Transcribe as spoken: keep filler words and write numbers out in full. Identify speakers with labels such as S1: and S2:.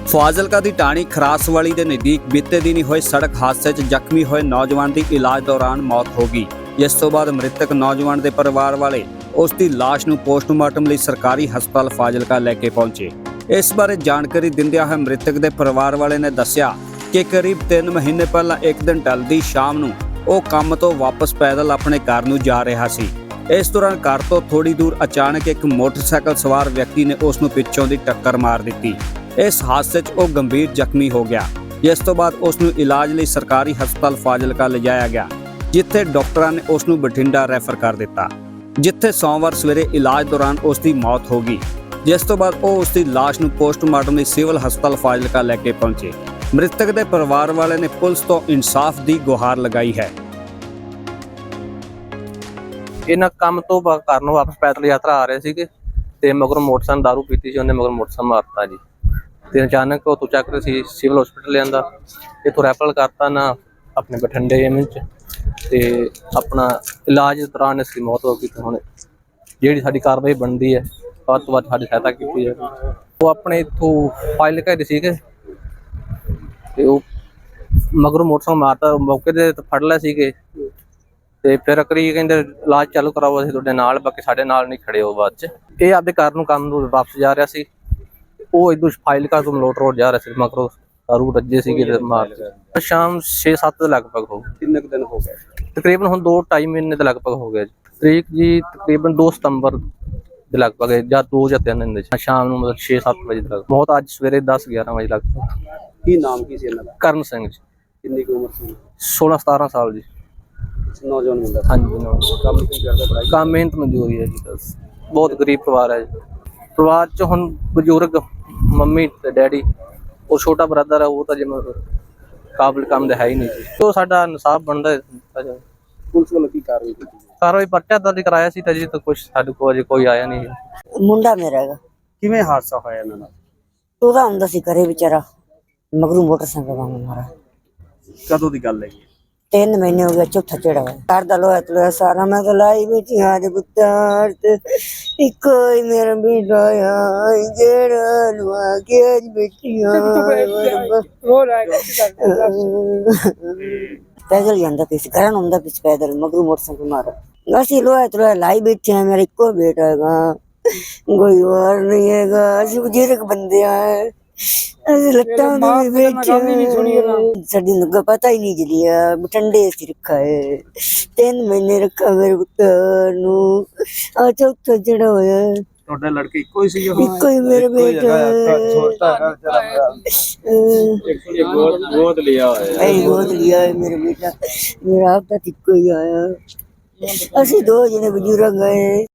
S1: ਫਾਜ਼ਿਲਕਾ ਦੀ ਢਾਣੀ ਖਰਾਸਵਾਲੀ ਦੇ ਨਜ਼ਦੀਕ ਬੀਤੇ ਦਿਨੀ ਹੋਏ ਸੜਕ ਹਾਦਸੇ 'ਚ ਜ਼ਖਮੀ ਹੋਏ ਨੌਜਵਾਨ ਦੀ ਇਲਾਜ ਦੌਰਾਨ ਮੌਤ ਹੋ ਗਈ। ਜਿਸ ਤੋਂ ਬਾਅਦ ਮ੍ਰਿਤਕ ਨੌਜਵਾਨ ਦੇ ਪਰਿਵਾਰ ਵਾਲੇ ਉਸ ਦੀ ਲਾਸ਼ ਨੂੰ ਪੋਸਟਮਾਰਟਮ ਲਈ ਸਰਕਾਰੀ ਹਸਪਤਾਲ ਫਾਜ਼ਿਲਕਾ ਲੈ ਕੇ ਪਹੁੰਚੇ। ਇਸ ਬਾਰੇ ਜਾਣਕਾਰੀ ਦਿੰਦਿਆਂ ਹੋਏ ਮ੍ਰਿਤਕ ਦੇ ਪਰਿਵਾਰ ਵਾਲੇ ਨੇ ਦੱਸਿਆ ਕਿ ਕਰੀਬ ਤਿੰਨ ਮਹੀਨੇ ਪਹਿਲਾਂ ਇੱਕ ਦਿਨ ਢਲਦੀ ਸ਼ਾਮ ਨੂੰ ਉਹ ਕੰਮ ਤੋਂ ਵਾਪਸ ਪੈਦਲ ਆਪਣੇ ਘਰ ਨੂੰ ਜਾ ਰਿਹਾ ਸੀ। ਇਸ ਦੌਰਾਨ ਘਰ ਤੋਂ ਥੋੜੀ ਦੂਰ ਅਚਾਨਕ ਇੱਕ ਮੋਟਰਸਾਈਕਲ ਸਵਾਰ ਵਿਅਕਤੀ ਨੇ ਉਸ ਨੂੰ ਪਿੱਛੋਂ ਦੀ ਟੱਕਰ ਮਾਰ ਦਿੱਤੀ। ਇਸ ਹਾਦਸੇ 'ਚ ਉਹ ਗੰਭੀਰ ਜ਼ਖਮੀ ਹੋ ਗਿਆ, ਜਿਸ ਤੋਂ ਬਾਅਦ ਉਸ ਨੂੰ ਇਲਾਜ ਲਈ ਸਰਕਾਰੀ ਹਸਪਤਾਲ ਫਾਜ਼ਿਲਕਾ ਲਿਜਾਇਆ ਗਿਆ, ਜਿੱਥੇ ਡਾਕਟਰਾਂ ਨੇ ਉਸ ਨੂੰ ਬਠਿੰਡਾ ਰੈਫਰ ਕਰ ਦਿੱਤਾ, ਜਿੱਥੇ ਸੋਮਵਾਰ ਸਵੇਰੇ ਇਲਾਜ ਦੌਰਾਨ ਉਸ ਦੀ ਮੌਤ ਹੋ ਗਈ। ਜਿਸ ਤੋਂ ਬਾਅਦ ਉਹ ਉਸ ਦੀ ਲਾਸ਼ ਨੂੰ ਪੋਸਟਮਾਰਟਮ ਲਈ ਸਿਵਲ ਹਸਪਤਾਲ ਫਾਜ਼ਿਲਕਾ ਲੈ ਕੇ ਪਹੁੰਚੇ। ਮ੍ਰਿਤਕ ਦੇ ਪਰਿਵਾਰ ਵਾਲੇ ਨੇ ਪੁਲਿਸ ਤੋਂ ਇਨਸਾਫ ਦੀ ਗੁਹਾਰ ਲਗਾਈ ਹੈ।
S2: ਇਹਨਾਂ ਕੰਮ ਤੋਂ ਘਰ ਨੂੰ ਵਾਪਸ ਪੈਦਲ ਯਾਤਰਾ ਆ ਰਹੇ ਸੀਗੇ ਤੇ ਮਗਰ ਮੋਟਰਸਾਈਕਲ ਦਾਰੂ ਪੀਤੀ ਸੀ, ਉਹਨੇ ਮਗਰ ਮੋਟਰਸਾਈਕਲ ਮਾਰਤਾ ਜੀ। ਤੇ ਅਚਾਨਕ ਉਹ ਤੋਂ ਚੱਕ ਰਹੇ ਸੀ ਸਿਵਲ ਹਸਪੀਟਲ ਲਿਆਂਦਾ, ਇੱਥੋਂ ਰੈਫਰ ਕਰਤਾ ਨਾ ਆਪਣੇ ਬਠਿੰਡੇ ਐਮ ਚ ਤੇ ਆਪਣਾ ਇਲਾਜ ਦੌਰਾਨ ਇਸ ਦੀ ਮੌਤ ਹੋ ਗਈ। ਤੇ ਹੁਣ ਜਿਹੜੀ ਸਾਡੀ ਕਾਰਵਾਈ ਬਣਦੀ ਹੈ ਵੱਧ ਤੋਂ ਵੱਧ ਸਾਡੀ ਸਹਾਇਤਾ ਕੀਤੀ ਹੈ। ਉਹ ਆਪਣੇ ਇੱਥੋਂ ਫਾਈਲ ਘਰੇ ਸੀਗੇ ਤੇ ਉਹ ਮਗਰ ਮੋਟਰਸਾਈਕਲ ਮਾਰਤਾ, ਮੌਕੇ ਤੇ ਫੜ ਲਿਆ ਸੀਗੇ ਤੇ ਫਿਰ ਅਕਰੀ ਕਹਿੰਦੇ ਇਲਾਜ ਚਾਲੂ ਕਰਾਓ, ਅਸੀਂ ਤੁਹਾਡੇ ਨਾਲ, ਬਾਕੀ ਸਾਡੇ ਨਾਲ ਨਹੀਂ ਖੜੇ ਹੋ। ਬਾਅਦ ਚ ਇਹ ਆਪਦੇ ਘਰ ਨੂੰ ਕੰਮ ਨੂੰ ਵਾਪਸ ਜਾ ਰਿਹਾ ਸੀ, ਉਹ ਇਦੋਂ ਫਾਜ਼ਿਲਕਾ ਤੋਂ ਮਲੋਟ ਰੋਡ ਜਾ ਰਿਹਾ ਸੀ, ਮਗਰੋਂ ਦਾਰੂ ਰੱਜੇ ਸੀਗੇ ਤੇ ਮਾਰ ਸ਼ਾਮ ਛੇ ਸੱਤ ਦੇ ਲਗਭਗ ਹੋ ਗਏ।
S1: ਕਿੰਨੇ ਕੁ ਦਿਨ ਹੋ ਗਏ?
S2: ਤਕਰੀਬਨ ਹੁਣ ਦੋ ਢਾਈ ਮਹੀਨੇ ਦੇ ਲਗਭਗ ਹੋ ਗਿਆ ਜੀ। ਤਰੀਕ ਜੀ ਤਕਰੀਬਨ ਦੋ ਸਤੰਬਰ ਦੇ ਲਗਭਗ ਜਾਂ ਦੋ ਜਾਂ ਤਿੰਨ ਦਿਨ ਸ਼ਾਮ ਨੂੰ, ਮਤਲਬ ਛੇ ਸੱਤ ਵਜੇ ਤੱਕ। ਮੌਤ ਅੱਜ ਸਵੇਰੇ ਦਸ ਗਿਆਰਾਂ ਵਜੇ ਲਗਭਗ।
S1: ਕੀ ਨਾਮ ਕੀ ਸੀ ਇਹਨਾਂ ਦਾ?
S2: ਕਰਨ ਸਿੰਘ ਜੀ।
S1: ਕਿੰਨੀ ਕੁ ਉਮਰ ਸੀ?
S2: ਸੋਲਾਂ ਸਤਾਰਾਂ ਸਾਲ ਜੀ।
S1: ਨੌਜਵਾਨ ਮੁੰਡਾ?
S2: ਹਾਂਜੀ ਨੌਜਵਾਨ।
S1: ਕੰਮ ਕੀ ਕਰਦਾ? ਪੜ੍ਹਾਈ?
S2: ਕੰਮ ਮਿਹਨਤ ਮਜ਼ਦੂਰੀ ਹੈ ਜੀ। ਬਸ ਬਹੁਤ ਗਰੀਬ ਪਰਿਵਾਰ ਹੈ ਜੀ। ਪਰਿਵਾਰ ਚ ਹੁਣ ਬਜ਼ੁਰਗ ਮੰਮੀ ਤੇ ਡੈਡੀ, ਉਹ ਛੋਟਾ ਬ੍ਰਦਰ ਹੈ, ਉਹ ਤਾਂ ਜਿਵੇਂ ਕਾਬਲ ਕੰਮ ਦਾ ਹੈ ਹੀ ਨਹੀਂ ਜੀ। ਉਹ ਸਾਡਾ ਇਨਸਾਫ ਬਣਦਾ।
S1: ਪੁਲਿਸ ਵੱਲੋਂ ਕੀ ਕਾਰਵਾਈ ਕੀਤੀ?
S2: ਕਾਰਵਾਈ ਪਰਚਾ ਦਰਜ ਕਰਾਇਆ ਸੀ ਤਾਂ ਜੀ, ਤਾਂ ਕੁਛ ਸਾਡੇ ਕੋਲ ਅਜੇ ਕੋਈ ਆਇਆ ਨਹੀਂ।
S3: ਮੁੰਡਾ ਮੇਰਾ ਹੈਗਾ।
S1: ਕਿਵੇਂ ਹਾਦਸਾ ਹੋਇਆ ਇਹਨਾਂ ਨਾਲ?
S3: ਉਹਦਾ ਹੁੰਦਾ ਸੀ ਘਰੇ ਵਿਚਾਰਾ, ਮਗਰੂ ਮੋਟਰਸਾਈਕਲ ਵਾਂਗ ਮਾਰਾ।
S1: ਕਦੋਂ ਦੀ ਗੱਲ ਹੈ?
S3: ਤਿੰਨ ਮਹੀਨੇ ਹੋ ਗਏ, ਚੌਥਾ ਚੜਾ ਹੋਇਆ। ਘਰ ਦਾ ਲੋਹਾ ਤਲੋਇਆ ਸਾਰਾ ਮੈਂ ਤਾਂ ਲਾਈ ਬੈਠੀ ਹਾਂ ਦੇ ਪੁੱਤਰ ਤੇ ਇੱਕੋ ਹੀ ਮੇਰਾ ਬੇਟਾ ਆ ਜਿਹੜਾ ਲਵਾ ਕੇ ਅੱਜ ਬੈਠੀ ਹਾਂ। ਪੈਦਲ ਜਾਂਦਾ ਪਿਆ ਸੀ, ਘਰਾਂ ਨੂੰ ਆਉਂਦਾ ਪਿਆ ਪੈਦਲ, ਮਗਰੂ ਮੋਟਰਸਾਈਕਲ ਮਾਰਾ। ਅਸੀਂ ਲੋਹਾ ਤਲੋਇਆ ਲਾਈ ਬੈਠੇ ਹਾਂ, ਮੇਰਾ ਇੱਕੋ ਬੇਟਾ ਹੈਗਾ, ਕੋਈ ਹੋਰ ਨਹੀਂ ਹੈਗਾ। ਅਸੀਂ ਬਜ਼ੁਰਗ ਬੰਦੇ ਆ, ਅਸੀਂ ਲੱਤਾਂ ਦੇ ਵਿੱਚ ਸਾਡੀ ਨੂੰ ਪਤਾ ਹੀ ਨਹੀਂ ਜਲੀਆ। ਬਠਿੰਡੇ ਅਸੀਂ ਰੱਖਾ ਹੈ, ਤਿੰਨ ਮਹੀਨੇ ਰੱਖਾ ਮੇਰੇ ਪੁੱਤਰ ਨੂੰ, ਆ ਚੌਥਾ ਜਿਹੜਾ ਹੋਇਆ।
S1: ਤੁਹਾਡਾ ਲੜਕੇ ਇੱਕੋ ਹੀ ਸੀ?
S3: ਇੱਕੋ ਹੀ ਮੇਰੇ ਬੇਟਾ
S1: ਗੋਦ ਲਿਆ ਹੋਇਆ।
S3: ਗੋਦ ਲਿਆ ਹੈ ਮੇਰਾ ਬੇਟਾ, ਮੇਰਾ ਆਪ ਤਾਂ ਇੱਕੋ ਹੀ ਆਇਆ। ਅਸੀਂ ਦੋ ਜਣੇ ਬਜ਼ੁਰਗ ਗਏ।